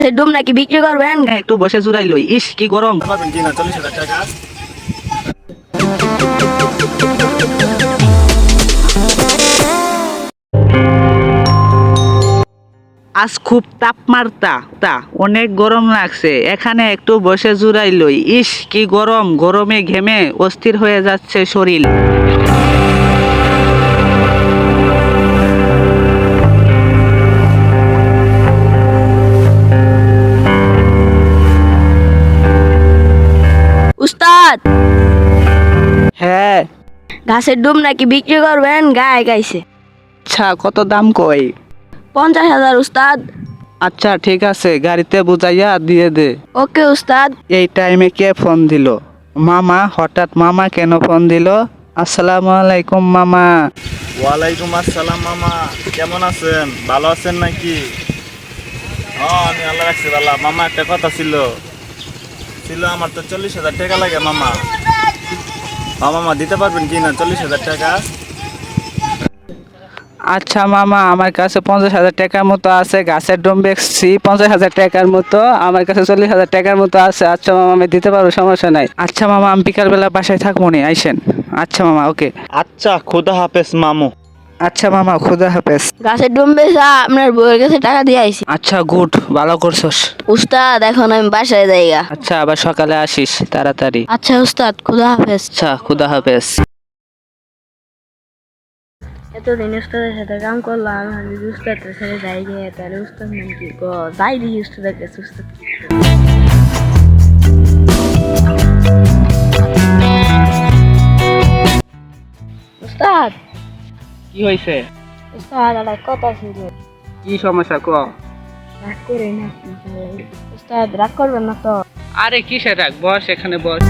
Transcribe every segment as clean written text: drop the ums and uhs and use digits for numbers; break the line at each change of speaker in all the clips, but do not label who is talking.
ডুম নাকি বিক্রি করবেন?
একটু বসে জুড়াই লই। ইস কি গরম।
পাবেন কিনা 40,000 টাকা?
আজ খুব তাপমাত্রা অনেক গরম লাগছে, এখানে একটু বসে জুড়াই লই। ইস কি গরম, গরমে ঘেমে অস্থির হয়ে যাচ্ছে শরীর।
উস্তাদ,
হ্যাঁ
ঘাসের ডুম নাকি বিক্রি করবেন? গায়ে গাইছে।
আচ্ছা, কত দাম কই?
50,000 উস্তাদ।
আচ্ছা ঠিক আছে, গাড়িতে বুঝাইয়া দিয়ে দে।
ওকে উস্তাদ।
এই টাইমে কে ফোন দিল? মামা? হঠাৎ মামা কেন ফোন দিল? আসসালামু আলাইকুম মামা।
ওয়ালাইকুম আসসালাম মামা, কেমন আছেন? ভালো আছেন নাকি? আমি আল্লাহ রাখছি ভালো। মামা একটা কথা ছিল আমার তো 40,000 টাকা লাগে মামা। মামা দিতে পারবেন কিনা 40,000 টাকা?
আচ্ছা মামা, আমার কাছে 50,000 টাকার মতো আছে। গাছের ডোম বেচছি 50,000 টাকার মতো, আমার কাছে 40,000 টাকার মতো আছে। আচ্ছা মামা, আমি দিতে পারবো, সমস্যা নাই। আচ্ছা মামা, আমি বিকালবেলা বাসায় থাকবো নি, আইসেন। আচ্ছা মামা, ওকে।
আচ্ছা, খোদা হাফেজ মামু।
আচ্ছা মামা, খুদা হাফেজ।
ঘাসের ডুম বেচা আপনার বউয়ের কাছে টাকা দিয়ে আইছি।
আচ্ছা গুড, ভালো করছস।
উস্তাদ, এখন আমি বাসায় যাইগা।
আচ্ছা, আবার সকালে আসিস তাড়াতাড়ি।
আচ্ছা উস্তাদ, খুদা হাফেজ।
আচ্ছা, খুদা হাফেজ।
এতদিন উস্তাদের সাথে কাম করলাম, আমি যদি উস্তাদের সাথে যাই গিয়ে তাহলে উস্তাদ নাকি যাই দিই উস্তাদের কাছে। উস্তাদ উস্তাদ,
কি হয়েছে?
উস্তাদ একটা কথা ছিল।
কি সমস্যা ক?
রাগ করে না উস্তাদ, রাগ করবেন না তো?
আরে কিসের রাখ, বস এখানে বস।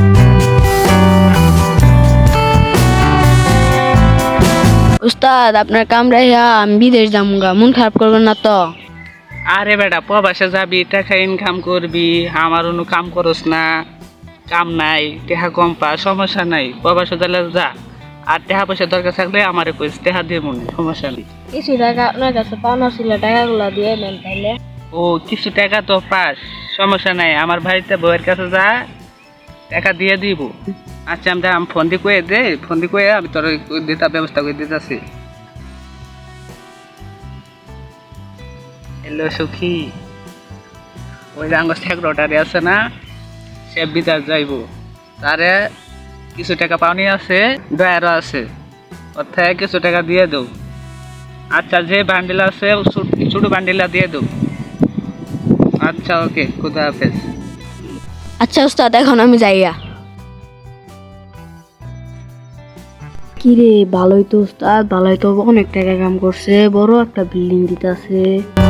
উস্তাদ, আপনার কামড়াইয়া আমি বিদেশ যামুগা, মন খারাপ করবেন না তো?
আরে বেটা, প্রবাসে যাবি, টাকা ইনকাম করবি, আমার অন্য কাম করস না, কাম নাই, টেহা কম পা, সমস্যা নাই, প্রবাসে গেলে যা। আর টেহা পয়সা দরকার থাকলে আমারে কইস, টেহা দিয়ে মনে, সমস্যা নেই।
কিছু টাকা আপনার কাছে পাওনা ছিল, টাকাগুলো দিয়ে নেন তাহলে।
ও কিছু টাকা তো পাস, সমস্যা নাই, আমার বাড়িতে বউয়ের কাছে যা, টাকা দিয়ে দিব। আচ্ছা আমি ফোন দিয়ে কয়ে দে, ফোন দিয়ে কয়ে আমি তোর দিতে ব্যবস্থা করে দিতেছি। হ্যালো সখী, ওই যে আঙ্গ সেক্রেটারি আছে না, সে বিদেশ যাইব, তারে কিছু টাকা পাওনি আছে, ডয়ারও আছে, ওর থেকে কিছু টাকা দিয়ে দেও। আচ্ছা, যে বান্ডিল আছে ছোট বান্ডিলা দিয়ে দেও। আচ্ছা ওকে, খুদা হাফেজ।
আচ্ছা উস্তাদ, এখন আমি যাইয়া। কি রে, ভালোই তো উস্তাদ, ভালোই তো, অনেক টাকা কাম করছে, বড় একটা বিল্ডিং দিতেছে।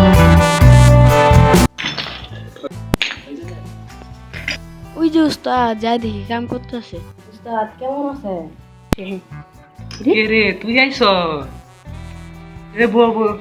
ওই যে উস্তাদ, যাই দেখি কাম করতেছে। উস্তাদ কেমন আছে?
কে রে, তুই আইছ? রে বল বল,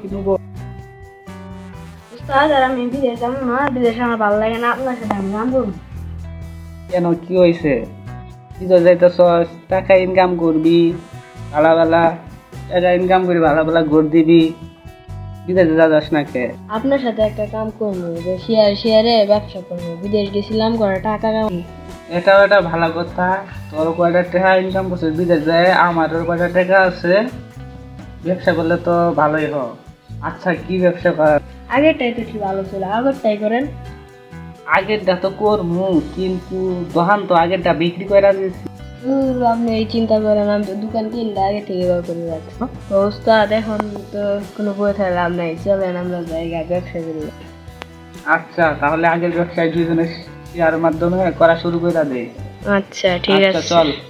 উস্তাদ, আর আমি বিদেশ যাবো না, বিদেশে আমার ভালো লাগে না, আপনার সাথে আমি কাম করবো।
কেন, কি হয়েছে? বিদেশ যাইতেছস, টাকা ইনকাম করবি, ভালো ভালো টাকা ইনকাম করবি, ভালো ভালো ঘর দিবি, বিদেশে যাস না কে?
আপনার সাথে একটা কাম করবো, যে শেয়ারে ব্যবসা করবো, বিদেশ গেছিলাম করে টাকা কাম।
এটাও একটা ভালো কথা। তোর কয়টা টাকা ইনকাম করছিস বিদেশ যায়, আমারও কয়টা টাকা আছে, ব্যবসা করলে তো ভালোই হ। আচ্ছা, কি ব্যবসা কর?
আগেরটাই তো কি ভালো ছিল, আগেরটাই করেন।
আগেরটা তো করমু, কিন্তু দোকান তো আগেরটা বিক্রি করে দিয়েছি।
আপনি এই চিন্তা করেন, আমি তো দোকান কিনলে আগে থেকে বার করে রাখছি। তো উস্তাদ, এখন তো কোনো বই থাকলে লাভ নাই, চলেন আমরা জায়গা ব্যবসা করি।
আচ্ছা, তাহলে আগের ব্যবসায় দুজনে শেয়ার মাধ্যমে করা শুরু করে দে।
আচ্ছা ঠিক
আচ্ছা
আছে।
চল।